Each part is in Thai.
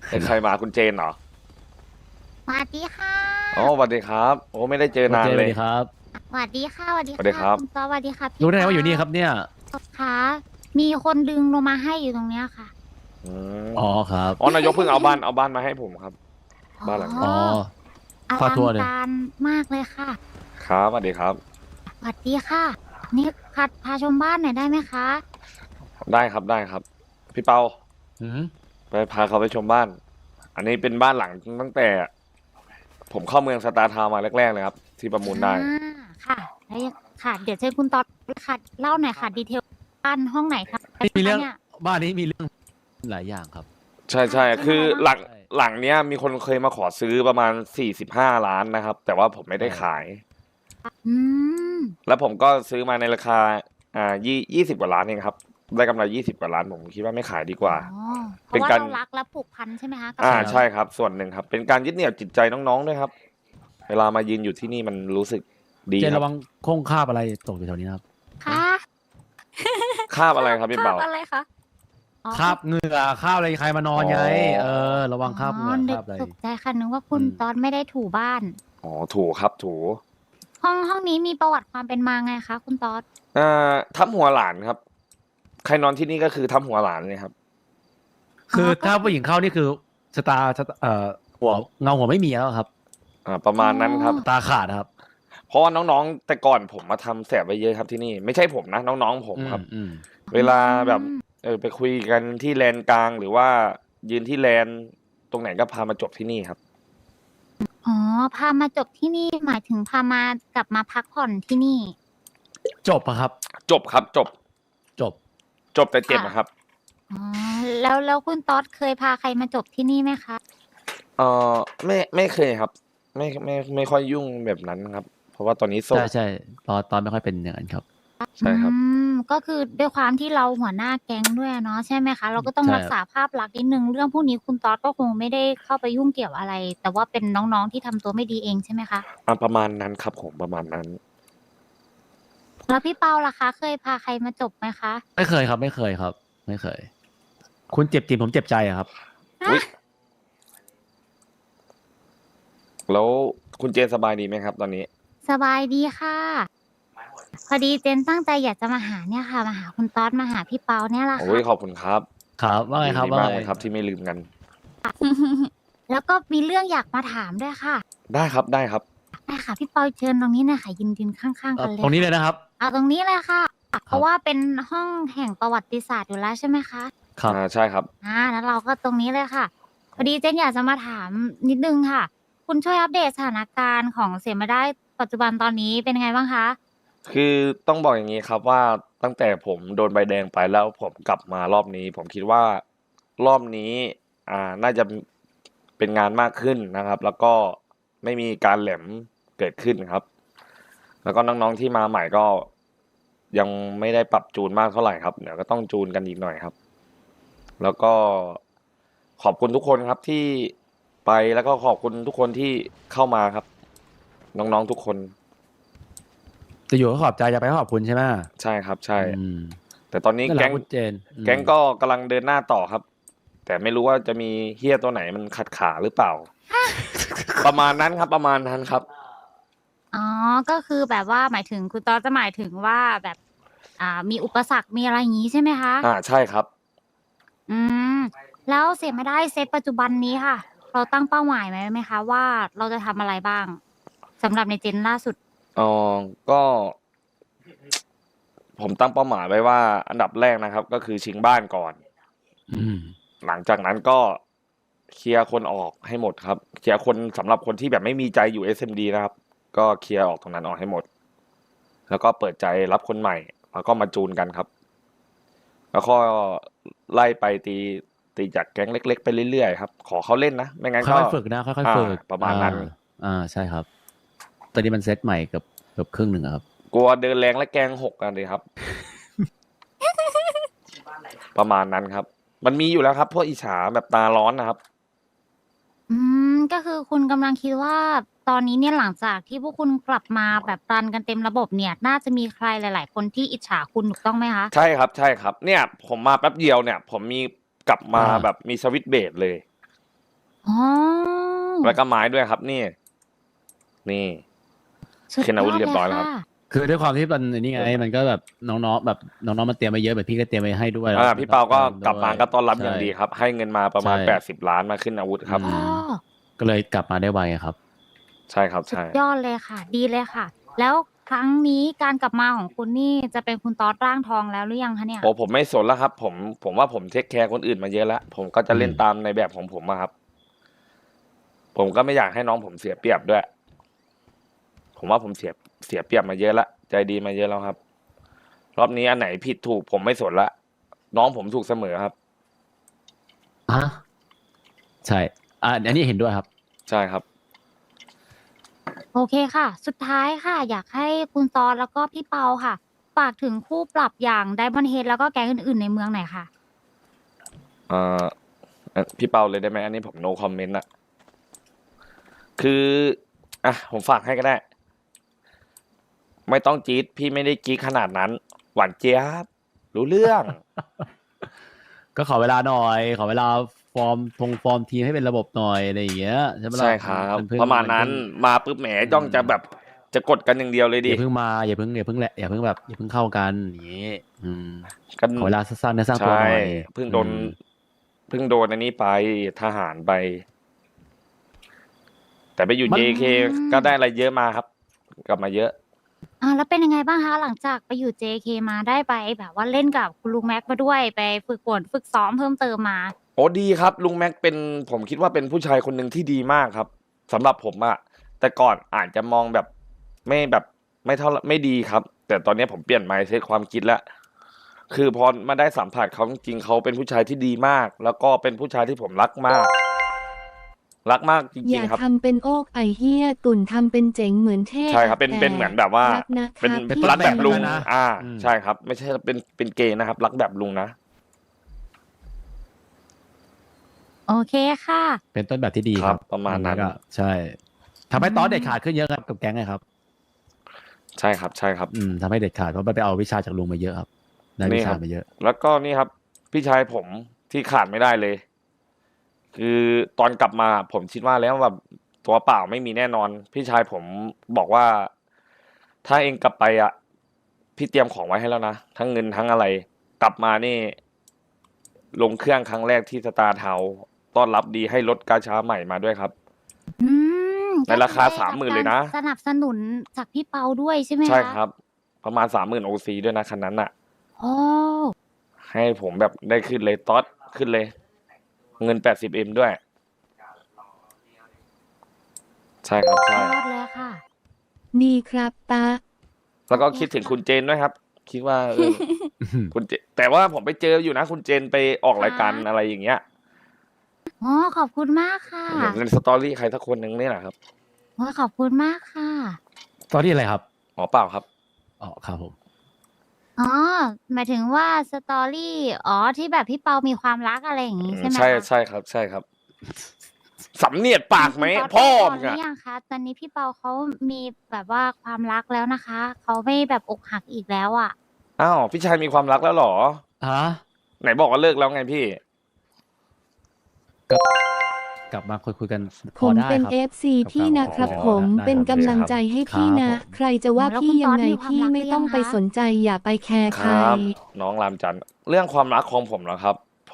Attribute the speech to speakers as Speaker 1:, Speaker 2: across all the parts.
Speaker 1: ใครมาคุณเจนเหรอ
Speaker 2: สวัสดีค่ะ
Speaker 1: อ๋อสวัสดีครับโอ้ไม่ได้เจอนาน
Speaker 3: โอเคส
Speaker 1: เลย
Speaker 3: วัสดีครับ
Speaker 2: สวัสดีค่ะสวัสดี
Speaker 1: สวัสดี
Speaker 2: ค่ะ
Speaker 1: ครับ
Speaker 2: คุณซอสวัสดีค่ะพี่
Speaker 3: รู้ได้ไง
Speaker 2: ปา
Speaker 3: ว่าอยู่นี่ครับเนี่ย
Speaker 2: ค่ะมีคนดึงลงมาให้อยู่ตรงเนี้ยค่ะ
Speaker 1: อืม
Speaker 3: อ๋อครับ
Speaker 1: อ๋อนายกเพิ่งเอาบ้านมาให้ผมครับ
Speaker 2: อ๋
Speaker 1: บ้านหลัง
Speaker 3: อ๋อ
Speaker 1: นี้
Speaker 2: ออลัง
Speaker 3: พาทัวร์เลย
Speaker 2: การมากเลยค่ะ
Speaker 1: ครับสวัสดีครับ
Speaker 2: สวัสดีค่ะนี่พาชมบ้านหน่อยได้ไหมคะ
Speaker 1: ได้ครับได้ครับพี่เปา
Speaker 3: อืม
Speaker 1: ไปพาเขาไปชมบ้านอันนี้เป็นบ้านหลังตั้งแต่ผมเข้าเมืองสตาร์ทาวน์มาแรกๆเลยครับที่ประมูลได้
Speaker 2: ค่ะแล้วยังค่ะเดี๋ยวเชิญคุณต๊อดค่ะเล่าหน่อยค่ะดีเทลบ้านห้องไหนคะ
Speaker 3: นี่มีเรื่อง
Speaker 2: เนี่ย
Speaker 3: บ้านนี้มีเรื่องหลายอย่างครับ
Speaker 1: ใช่ใช่
Speaker 2: ค่ะเช่น
Speaker 1: คือ
Speaker 2: อะไรบ้าง
Speaker 1: หลังเนี้ยมีคนเคยมาขอซื้อประมาณ45 ล้านนะครับแต่ว่าผมไม่ได้
Speaker 3: ใช่
Speaker 1: ขาย
Speaker 2: อืม
Speaker 1: แล้วผมก็ซื้อมาในราคา20 กว่าล้านเองครับได้กำไร20 กว่าล้านผมคิดว่าไม่ขายดีก
Speaker 2: อ๋อ
Speaker 1: ว่า
Speaker 2: เพ
Speaker 1: เป็นการ
Speaker 2: ราะว่าเรารักและผูกพันใช่ไหมคะกับ
Speaker 3: ใช่ครับ
Speaker 1: ใช่ครับส่วนหนึ่งครับเป็นการยึดเหนี่ยวจิตใจน้องๆด้วยครับเวลามายืนอยู่ที่นี่มันรู้สึกดีครับ
Speaker 3: เจนระวังโค้งคาบอะไรตกอยู่แถวนี้นะครับ
Speaker 2: ค่ะ
Speaker 1: คาบอะไรครับพี่เบา
Speaker 2: อะไรคะอ๋อ
Speaker 3: คาบเหงื่อคาบอะไรใครมานอนไงเออระวังคาบเหงื่อ
Speaker 2: นึก
Speaker 3: คาบอะไร
Speaker 2: ตกใจค่ะนึกว่าคุณ
Speaker 3: อืม
Speaker 2: ตอนไม่ได้ถูบ้าน
Speaker 1: อ๋อถูครับถู
Speaker 2: ห้องนี้มีประวัติความเป็นมาไงคะคุณตอด
Speaker 1: ทับหัวหลานครับใครนอนที่นี่ก็คือทับหัวหลานเลยครับ
Speaker 3: คือ
Speaker 2: ก็คือ
Speaker 3: ถ้าผู้หญิงเข้านี่คือชะตาหัวเงาหัวไม่มีแล้วครับ
Speaker 1: ประมาณนั้นครับ
Speaker 3: ตาขาดครับ
Speaker 1: เพราะว่าน้องๆแต่ก่อนผมมาทำแสบไว้เยอะครับที่นี่ไม่ใช่ผมนะน้องๆผม
Speaker 3: อื
Speaker 1: ครับ
Speaker 3: มอืม
Speaker 1: เวลาแบบไปคุยกันที่แลนกลางหรือว่ายืนที่แลนตรงไหนก็พามาจบที่นี่ครับ
Speaker 2: อ๋อพามาจบที่นี่หมายถึงพามากลับมาพักผ่อนที่นี่
Speaker 3: จบอะครับ
Speaker 1: จบครับจบ
Speaker 3: จบ
Speaker 1: จบแต่เจ็บ
Speaker 2: ค่ะ
Speaker 1: นะครับ
Speaker 2: อ๋อแล้วคุณตอดเคยพาใครมาจบที่นี่ไหมคะ
Speaker 1: เออไม่เคยครับไม่ค่อยยุ่งแบบนั้นครับเพราะว่าตอนนี้โสด
Speaker 3: ใช่ใช่ตอนไม่ค่อยเป็นอย่างนั้นครับ
Speaker 1: ใช่ครับ
Speaker 2: ก็คือด้วยความที่เราหัวหน้าแก๊งด้วยเนาะใช่ไหมคะเราก็ต้อง
Speaker 3: ใช่
Speaker 2: รักษาภาพลักษณ์นิดนึงเรื่องพวกนี้คุณตอดก็คงไม่ได้เข้าไปยุ่งเกี่ยวอะไรแต่ว่าเป็นน้องๆที่ทำตัวไม่ดีเองใช่ไหมคะ
Speaker 1: ประมาณนั้นครับผมประมาณนั้น
Speaker 2: แล้วพี่เปาล่ะคะเคยพาใครมาจบไหมคะ
Speaker 3: ไม่เคยครับไม่เคยครับไม่เคยคุณเจ็บจริงผมเจ็บใจอะครับ
Speaker 1: อุ๊ยแล้วคุณเจนสบายดีไหมครับตอนนี้
Speaker 2: สบายดีค่ะพอดีเจนตั้งใจอยากจะมาหาเนี่ยค่ะมาหาคุณต๊อดมาหาพี่เปาเนี่ยแหละ
Speaker 1: โอ้
Speaker 2: ค่ะ
Speaker 1: ยขอบคุณครับ
Speaker 3: ครับว่าไง
Speaker 1: ดี
Speaker 3: ครับว่าไง
Speaker 1: ดีมากเลยครับที่ไม่ลืมกัน
Speaker 2: แล้วก็มีเรื่องอยากมาถามด้วยค่ะ
Speaker 1: ได้ครับได้ครับ
Speaker 2: ได้ค่ะพี่เปาเชิญตรงนี้หนะคะยืนข้างๆกันเลย
Speaker 3: ตรงนี้เล
Speaker 2: ค่ะ
Speaker 3: ยนะครับ
Speaker 2: เอาตรงนี้เลยค่ะเพ
Speaker 3: ครับ
Speaker 2: ราะว่าเป็นห้องแห่งประวัติศาสตร์อยู่แล้วใช่ไหมคะ
Speaker 3: ครับ
Speaker 1: ใช่ครับ
Speaker 2: แล้วเราก็ตรงนี้เลยค่ะพอดีเจนอยากจะมาถามนิดนึงค่ะคุณช่วยอัปเดตสถานการณ์ของเสียไม่ได้ปัจจุบันตอนนี้เป็นยังไงบ้างคะ
Speaker 1: คือต้องบอกอย่างนี้ครับว่าตั้งแต่ผมโดนใบแดงไปแล้วผมกลับมารอบนี้ผมคิดว่ารอบนี้น่าจะเป็นงานมากขึ้นนะครับ แล้วก็ไม่มีการแหลมเกิดขึ้นครับ แล้วก็น้องๆที่มาใหม่ก็ยังไม่ได้ปรับจูนมากเท่าไหร่ครับเดี๋ยวก็ต้องจูนกันอีกหน่อยครับ แล้วก็ขอบคุณทุกคนครับที่ไปแล้วก็ขอบคุณทุกคนที่เข้ามาครับ น้องๆทุกคน
Speaker 3: จะอยู่ก็ขอบใจจะไปก็ขอบคุณใช่ไหม
Speaker 1: ใช่ครับใช่
Speaker 3: อืม
Speaker 1: แต่ตอนนี้
Speaker 3: นั่นแหละ
Speaker 1: แก๊ง
Speaker 3: คุณเจน
Speaker 1: แก๊งก็กำลังเดินหน้าต่อครับ แต่ไม่รู้ว่าจะมีเฮี้ยตัวไหนมันขัดขาหรือเปล่า ประมาณนั้นครับประมาณนั้นครับ
Speaker 2: อ๋อก็คือแบบว่าหมายถึงคุณต๊อดจะหมายถึงว่าแบบมีอุปสรรคมีอะไรอย่างนี้ใช่ไหมคะ
Speaker 1: ใช่ครับ
Speaker 2: อืมแล้วเสียไม่ได้เซตปัจจุบันนี้ค่ะเราตั้งเป้าหมายไว้ไหมคะว่าเราจะทำอะไรบ้างสำหรับในเจนล่าสุด
Speaker 1: อ๋อก็ผมตั้งเป้าหมายไว้ว่าอันดับแรกนะครับ ก็คือชิงบ้านก่อน
Speaker 3: อืม
Speaker 1: หลังจากนั้นก็เคลียร์คนออกให้หมดครับเคลียร์คนสำหรับคนที่แบบไม่มีใจอยู่ SMD นะครับ ก็เคลียร์ออกตรงนั้นออกให้หมด แล้วก็เปิดใจรับคนใหม่แล้วก็มาจูนกันครับ แล้วก็ไล่ไปตีจากแก๊งเล็กๆไปเรื่อยๆครับขอเขาเล่นนะไม่งั้นก็
Speaker 3: ค่อยๆฝึกนะค่อยๆฝึก
Speaker 1: ประมาณนั้น
Speaker 3: ใช่ครับตอนนี้มันเซตใหม่เกือบครึ่งหนึ่งอะครับ
Speaker 1: กลัวเดินแรงและแกงหกกันเลยครับ ประมาณนั้นครับ มันมีอยู่แล้วครับพวกอิจฉาแบบตาร้อนนะครับ
Speaker 2: ก็คือคุณกำลังคิดว่าตอนนี้เนี่ยหลังจากที่พวกคุณกลับมาแบบรันกันเต็มระบบเนี่ย น่าจะมีใครหลาย ๆ คนที่อิจฉาคุณถูกต้องไหมคะ
Speaker 1: ใช่ครับใช่ครับ เนี่ยผมมาแป๊บเดียวเนี่ย ผมมีกลับมาแบบมีสวิตช์เบรดเลย
Speaker 2: อ๋อ
Speaker 1: แล้วก็ไม้ด้วยครับ นี่ นี่
Speaker 2: สุด
Speaker 1: ขึ้น
Speaker 2: ย
Speaker 1: อา
Speaker 2: อ
Speaker 1: วุธ
Speaker 2: ด
Speaker 1: เรีย
Speaker 2: เล
Speaker 1: บ
Speaker 2: ย
Speaker 1: ร้อยแล้วค
Speaker 2: ค่ะ
Speaker 1: รับ
Speaker 3: คือด้วยความที่มันไอ้นี่ไง มันก็แบบน้องๆแบบน้องๆมันเตรียมมาเยอะแบบพี่ก็เตรียมไว้ให้ด้วยแล้ว
Speaker 1: อ่า
Speaker 3: มัน
Speaker 1: พี่
Speaker 3: ต้
Speaker 1: เปา
Speaker 3: อง
Speaker 1: ก็
Speaker 3: เติม
Speaker 1: กลับ
Speaker 3: ด้ว
Speaker 1: มาย ก็ต้อนรับ
Speaker 3: ใช่
Speaker 1: อย่างดีครับ ให้เงินมาประมาณ
Speaker 3: ใช่
Speaker 1: 80 ล้านมาขึ้นอาวุธครับ
Speaker 3: อื
Speaker 2: อ๋อ
Speaker 3: ม ก็เลยกลับมาได้ไวอะครับ
Speaker 1: ใช่ครับ
Speaker 2: สุ
Speaker 1: ใช่
Speaker 2: ดยอดเลยค่ะ ดีเลยค่ะ แล้วครั้งนี้การกลับมาของคุณนี่จะเป็นคุณตอสร่างทองแล้วหรือยังคะเนี่ย?
Speaker 1: โอ้ ผมไม่สนแล้วครับ ผมว่าผมเทกแคร์คนอื่นมาเยอะแล้ว ผมก็จะเล่น
Speaker 3: อืม
Speaker 1: ตามในแบบของผมอะครับ ผมก็ไม่อยากให้น้องผมเสียเปรียบด้วย ผมว่าผมเสียเปรียบมาเยอะแล้ว ใจดีมาเยอะแล้วครับ รอบนี้อันไหนผิดถูกผมไม่สนแล้ว น้องผมถูกเสมอครับ
Speaker 3: ฮะ ใช่ อันนี้เห็นด้วยครับ
Speaker 1: ใช่ครับ
Speaker 2: โอเคค่ะ สุดท้ายค่ะ อยากให้คุณตอสแล้วก็พี่เปาค่ะ ฝากถึงคู่ปรับอย่าง Diamond Head แล้วก็แก๊งอื่น ๆ ในเมืองหน่อยค่ะ
Speaker 1: พี่เปาเลยได้ไหม อันนี้ผม no comment อะ คือ อะ ผมฝากให้ก็ได้ ไม่ต้องจี๊ด พี่ไม่ได้จี๊ดขนาดนั้น หวานเจี๊ยบ รู้เรื่อง
Speaker 3: ก็ขอเวลาหน่อย ขอเวลาฟอร์มทีมให้เป็นระบบหน่อย อะไรอย่างเงี้ย ใช่ไหม
Speaker 1: ใช่
Speaker 3: ล่ะ
Speaker 1: ครับ
Speaker 3: มันเพิ่ง
Speaker 1: ประมาณ
Speaker 3: มัน
Speaker 1: นั้
Speaker 3: เพิ่
Speaker 1: น
Speaker 3: ง
Speaker 1: มาปุ๊บ แหม
Speaker 3: อื
Speaker 1: จ้องจะแบ
Speaker 3: ม
Speaker 1: บ จะกดกันอย่างเดียวเลย
Speaker 3: อ
Speaker 1: ดิ
Speaker 3: ย่าเพิ่งมา อย่าเพิ่งแบบ อย่าเพิ่งเข้ากัน อย่างงี้ อืม
Speaker 1: ก็
Speaker 3: ขอเวลาสร้างเนื้อสร้าง
Speaker 1: ใช
Speaker 3: ตัวหน่อย
Speaker 1: เพิ่ง
Speaker 3: อื
Speaker 1: โดน
Speaker 3: ม
Speaker 1: เพิ่งโดนอันนี้ไป ทหารไป แต่ไปอยู่
Speaker 3: มัน
Speaker 1: JK ก็ได้อะไรเยอะมาครับ กลับมาเยอะ
Speaker 2: แล้วเป็นยังไงบ้างคะ หลังจากไปอยู่ JK มา ได้ไปแบบว่าเล่นกับคุณลุงแม็กมาด้วย ไปฝึกฝนฝึกซ้อมเพิ่มเติมมา?
Speaker 1: โอ้ ดีครับ ลุงแม็กเป็น ผมคิดว่าเป็นผู้ชายคนหนึ่งที่ดีมากครับ สำหรับผมอะ แต่ก่อนอาจจะมองแบบ ไม่เท่า ไม่ดีครับ แต่ตอนนี้ผมเปลี่ยน mindset ความคิดแล้ว คือพอมาได้สัมผัสเขาจริง ๆ เขาเป็นผู้ชายที่ดีมาก แล้วก็เป็นผู้ชายที่ผมรักมาก รักมากจ
Speaker 4: อ
Speaker 1: ริ
Speaker 4: ย่าง
Speaker 1: ๆ ครับ
Speaker 4: ทำเป็นโอกไอ้เหี้ย ตุ่นทำเป็นเจ๋งเหมือนเทพ
Speaker 1: ใช่ครับ
Speaker 4: แต่
Speaker 1: เป็นเหมือนแบบว่า
Speaker 4: รักนะค
Speaker 1: เป็น
Speaker 4: รับ
Speaker 3: เป็น
Speaker 4: พี่
Speaker 3: ต้
Speaker 1: รั
Speaker 3: น
Speaker 1: ก
Speaker 3: แบ
Speaker 1: แบบ บ
Speaker 3: เล
Speaker 1: ลุ
Speaker 3: ย
Speaker 1: ง
Speaker 3: นะ อืม
Speaker 1: ใช่ครับ ไม่ใช่เป็นเกย์นะครับ รักแบบลุงนะ
Speaker 2: โอเคค่ะ
Speaker 3: เป็นต้นแบบที่ดี
Speaker 1: ค
Speaker 3: ค
Speaker 1: รั
Speaker 3: รับ บ
Speaker 1: ประมาณ
Speaker 3: อื
Speaker 1: นั้น
Speaker 3: แล้วก็ ใช่ ทำให้ตอสเด็ดขาดขึ้นเยอะครับ กับแก๊งอะครับ
Speaker 1: ใช่ครับ ใช่ครับ
Speaker 3: อืม ทำให้เด็ดขาด เพราะมันไปเอาวิชาจากลุงมาเยอะครับ ได้
Speaker 1: นี่
Speaker 3: วิ
Speaker 1: ค
Speaker 3: ชา
Speaker 1: รับ
Speaker 3: มาเยอะ
Speaker 1: แล้วก็นี่ครับ พี่ชายผมที่ขาดไม่ได้เลย คือตอนกลับมาผมคิดว่าแล้วแบบตัวเปล่าไม่มีแน่นอน พี่ชายผมบอกว่า "ถ้าเองกลับไปอะ พี่เตรียมของไว้ให้แล้วนะ ทั้งเงินทั้งอะไร กลับมานี่ ลงเครื่องครั้งแรกที่ Star Town ต้อนรับดี ให้รถกาชาใหม่มาด้วยครับ"
Speaker 2: อืม
Speaker 1: ในราคา
Speaker 2: ก็คือได้รับ
Speaker 1: 30,000 เลยนะ
Speaker 2: การสนับสนุนจากพี่เปาด้วยใช่ไหม
Speaker 1: ใช่
Speaker 2: คะ?
Speaker 1: ครับ ประมาณ 30,000 OC ด้วยนะคันนั้นน่ะ
Speaker 2: อ๋อ
Speaker 1: ให้ผมแบบได้ขึ้นเลย "ตอส ขึ้นเลย" เงิน 80M ด้วย ใช่ครับ ใช่
Speaker 2: ยอดเลยค่ะ
Speaker 4: ดีครับตา
Speaker 1: แล้วก็คิดถึงคุณเจนด้วยครับ คิดว่า คุณเจ แต่ว่าผมไปเจออยู่นะ คุณเจนไปออกรายการ
Speaker 2: คะ?
Speaker 1: อะไรอย่างเงี้ย
Speaker 2: อ๋อ ขอบคุณมากค่ะ
Speaker 1: เห็นใน story ใครสักคนหนึ่งนี่แหละครับ
Speaker 2: โอ๊ย ขอบคุณมากค่ะ
Speaker 3: story อะไรครับ?
Speaker 1: อ๋อ เปล่าครับ
Speaker 3: อ๋อ ครับผม
Speaker 2: อ๋อ หมายถึงว่า story อ๋อ ที่แบบพี่เปามีความรัก อะไรอย่างงี้ ใช่ไหม
Speaker 1: ใช่
Speaker 2: คะ?
Speaker 1: ใช่ครับ ใช่ครับ สำเนียกปากไหม
Speaker 2: คุณตอส
Speaker 1: พ่อ
Speaker 2: move
Speaker 1: มึ
Speaker 2: on
Speaker 1: งอะ
Speaker 2: หรือยังคะ? ตอนนี้พี่เปาเขามีแบบว่าความรักแล้วนะคะ เขาไม่แบบอกหักอีกแล้วอะ
Speaker 1: อ้าว พี่ชายมีความรักแล้วเหรอ?
Speaker 3: ฮะ?
Speaker 1: ไหนบอกว่าเลิกแล้วไงพี่?
Speaker 3: ก็ กลับมาคุย ๆ กันพ
Speaker 4: ผ
Speaker 3: อ
Speaker 4: ม
Speaker 3: ได้
Speaker 4: เป็น
Speaker 3: ครับ
Speaker 4: FC พี่
Speaker 3: กับ
Speaker 4: นะครับ
Speaker 1: อ๋อ
Speaker 4: ผม
Speaker 3: ได้
Speaker 4: เป็น
Speaker 3: ครับ
Speaker 4: กำลังใจให้
Speaker 3: ครั
Speaker 4: พี่
Speaker 3: บ
Speaker 4: นะ
Speaker 3: ผม
Speaker 4: ใครจะว่า
Speaker 2: แล้ว
Speaker 4: พี่
Speaker 2: คุณ
Speaker 4: ยั
Speaker 2: ตอง ส
Speaker 4: ไง
Speaker 2: มีความ
Speaker 4: พี่
Speaker 2: รัก
Speaker 4: ไม่
Speaker 2: หรือ
Speaker 4: ต้
Speaker 2: ยั
Speaker 4: อง
Speaker 2: ง
Speaker 4: ไป
Speaker 2: คะ?
Speaker 4: สนใจ อย่าไปแคร์
Speaker 1: ค
Speaker 4: ใคร
Speaker 1: รับ น้องรามจันทร์ เรื่องความรักของผมเหรอครับ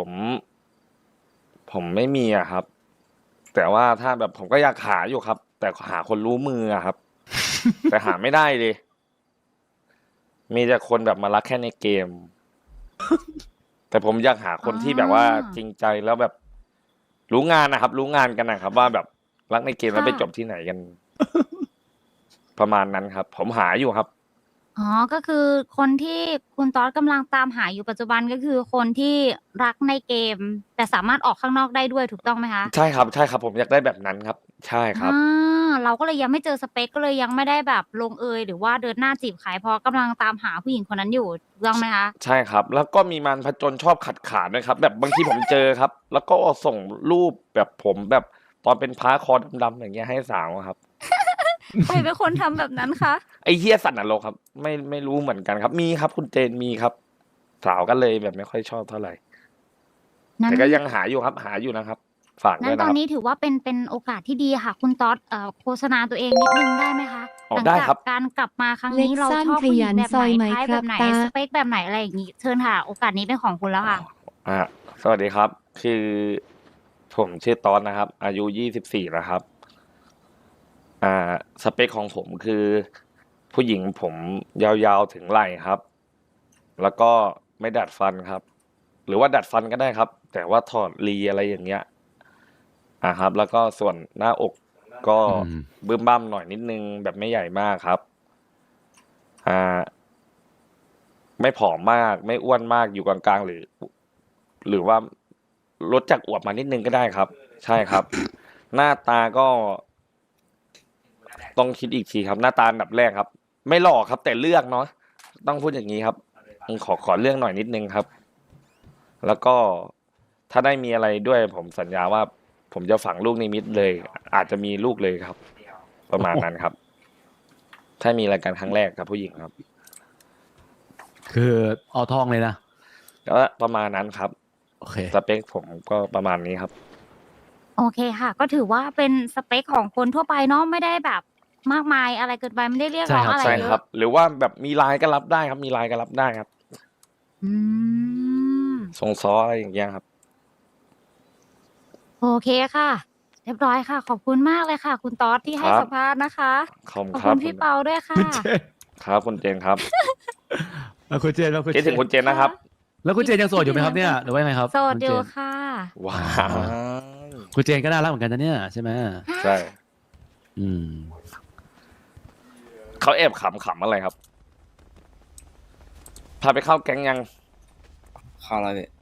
Speaker 1: ผมไม่มีอะครับ แต่ว่าถ้าแบบผมก็อยากหาอยู่ครับ แต่หาคนรู้มืออะครับ แต่หาไม่ได้เลย มีแต่คนแบบมารักแค่ในเกม แต่ผมอยากหาคนที่แบบว่าจริงใจ แล้วแบบรู้งานน่ะครับ รู้งานกันน่ะครับว่าแบบรักในเกม
Speaker 2: ค
Speaker 1: แล้ว
Speaker 2: ่
Speaker 1: ไปจ
Speaker 2: ะ
Speaker 1: บที่ไหนกัน ประมาณนั้นครับ ผมหาอยู่ครับ
Speaker 2: อ๋อ ก็คือคนที่คุณตอสกำลังตามหาอยู่ปัจจุบัน ก็คือคนที่รักในเกม แต่สามารถออกข้างนอกได้ด้วย ถูกต้องไหมคะ?
Speaker 1: ใช่ครับ ใช่ครับ ผมอยากได้แบบนั้นครับ ใช่ค
Speaker 2: อ
Speaker 1: รับ
Speaker 2: เราก็เลยยังไม่เจอสเปก ก็เลยยังไม่ได้แบบลงเอย หรือว่าเดินหน้าจีบใคร เพราะกำลังตามหาผู้หญิงคนนั้นอยู่ ถูกต้องไหมคะ?
Speaker 1: ใช่ครับ แล้วก็มีมารพจนชอบขัดขานด้วยครับ แบบบางทีผมเจอครับ แล้วก็ส่งรูปแบบผมแบบตอนเป็นพระคอดำๆ อย่างเงี้ย ให้สาวอะครับ
Speaker 2: ใครเป็นคนทำแบบนั้นคะ
Speaker 1: ไอ้เหี้ยสัตว์นรกครับ ไม่รู้เหมือนกันครับ มีครับคุณเจน มีครับ สาวก็เลยแบบไม่ค่อยชอบเท่าไร
Speaker 2: นั้
Speaker 1: แต่
Speaker 2: น
Speaker 1: ก็ยังหาอยู่ครับ หาอยู่นะครับฝากด้
Speaker 2: งั้
Speaker 1: วย
Speaker 2: น
Speaker 1: นะ
Speaker 2: ต
Speaker 1: ค
Speaker 2: อ
Speaker 1: รั
Speaker 2: น
Speaker 1: บ
Speaker 2: นี้ถือว่าเป็นโอกาสที่ดีค่ะ คุณต๊อดโฆษณาตัวเองนิดนึงได้ไหมคะ
Speaker 1: อ๋อ
Speaker 2: หลัง
Speaker 1: ได้
Speaker 2: จาก
Speaker 1: ครับ
Speaker 2: การกลับมาครั้ง
Speaker 4: เล็
Speaker 2: นี้
Speaker 4: ก
Speaker 2: เรา
Speaker 4: สั้น
Speaker 2: ชอบ
Speaker 4: ข
Speaker 2: ผู้หญิ
Speaker 4: ยั
Speaker 2: ง
Speaker 4: น
Speaker 2: แบบ
Speaker 4: ซ
Speaker 2: ไหน
Speaker 4: อยไหม
Speaker 2: ไทป์
Speaker 4: ค
Speaker 2: แบ
Speaker 4: รับบ
Speaker 2: ไหน
Speaker 4: ตา
Speaker 2: สเปคแบบไหนอะไรอย่างงี้เชิญค่ะ โอกาสนี้เป็นของคุณแล้วค่ะ
Speaker 1: สวัสดีครับ คือผมชื่อตอนนะครับ อายุ24นะครับ สเปคของผมคือผู้หญิงผมยาวๆถึงไหล่ครับ แล้วก็ไม่ดัดฟันครับ หรือว่าดัดฟันก็ได้ครับ แต่ว่าถอดรีอะไรอย่างเงี้ยครับ แล้วก็ส่วนหน้าอกก็
Speaker 3: อืม
Speaker 1: บึ้มบ้ามหน่อยนิดนึงแบบไม่ใหญ่มากครับไม่ผอมมาก ไม่อ้วนมากอยู่กลางๆหรือว่าลดจากอวบมานิดนึงก็ได้ครับ ใช่ครับ หน้าตาก็ ต้องคิดอีกทีครับ หน้าตาอันดับแรกครับ ไม่หล่อครับ แต่เลือกเนาะต้องพูดอย่างนี้ครับขอเรื่องหน่อยนิดนึงครับ แล้วก็ถ้าได้มีอะไรด้วย ผมสัญญาว่า ผมจะฝังลูกนิมิตเลย อาจจะมีลูกเลยครับ ประมาณนั้นครับ ถ้ามีรายการครั้งแรกกับผู้หญิงครับ
Speaker 3: คือเอาทองเลยนะ
Speaker 1: ก็ประมาณนั้นครับ
Speaker 3: โอเค
Speaker 1: สเปคผมก็ประมาณนี้ครับ
Speaker 2: โอเคค่ะ ก็ถือว่าเป็นสเปคของคนทั่วไปเนาะไม่ได้แบบมากมายอะไรเกินไปไม่ได้เรียก
Speaker 3: ใช่
Speaker 2: ร้อง
Speaker 3: ครับ
Speaker 2: อะไร
Speaker 1: ใช่
Speaker 2: เย
Speaker 1: ครับ
Speaker 2: อะ
Speaker 1: หรือว่าแบบมีไลน์ก็รับได้ครับ มีไลน์ก็รับได้ครับ
Speaker 2: อืม
Speaker 1: ทรงซ้ออะไรอย่างเงี้ยครับ
Speaker 2: โอเคค่ะ เรียบร้อยค่ะ ขอบคุณมากเลยค่ะ คุณต๊อดที่ให้
Speaker 1: ครับ
Speaker 2: สัมภาษณ์นะคะ
Speaker 1: ขอบคุณ
Speaker 2: ขอบ
Speaker 1: ครั
Speaker 2: คุ
Speaker 1: บ
Speaker 2: ณพี่เปาด้วยค่ะ
Speaker 3: คุณเจน
Speaker 1: ครับคุณเจนครับ
Speaker 3: แล้วคุณเจนแล้วคุณ
Speaker 1: คิดถึงคุณเจนนะครับ
Speaker 3: แล้วคุณเจนยังโสดอยู่ไหมครับเนี่ยหรือว่ายังไงครับ
Speaker 2: โสด
Speaker 3: คุณ
Speaker 2: อ
Speaker 3: เจ
Speaker 2: ยู่
Speaker 3: น
Speaker 2: ค่ะ
Speaker 1: ว้าว
Speaker 3: คุณเจนก็น่ารักเหมือนกันนะเนี่ยใช่ไหม
Speaker 1: ใช่
Speaker 3: อืม
Speaker 1: เขาแอบขำอะไรครับ พาไปเข้าแก๊งยัง
Speaker 5: เข้าแล้วพี่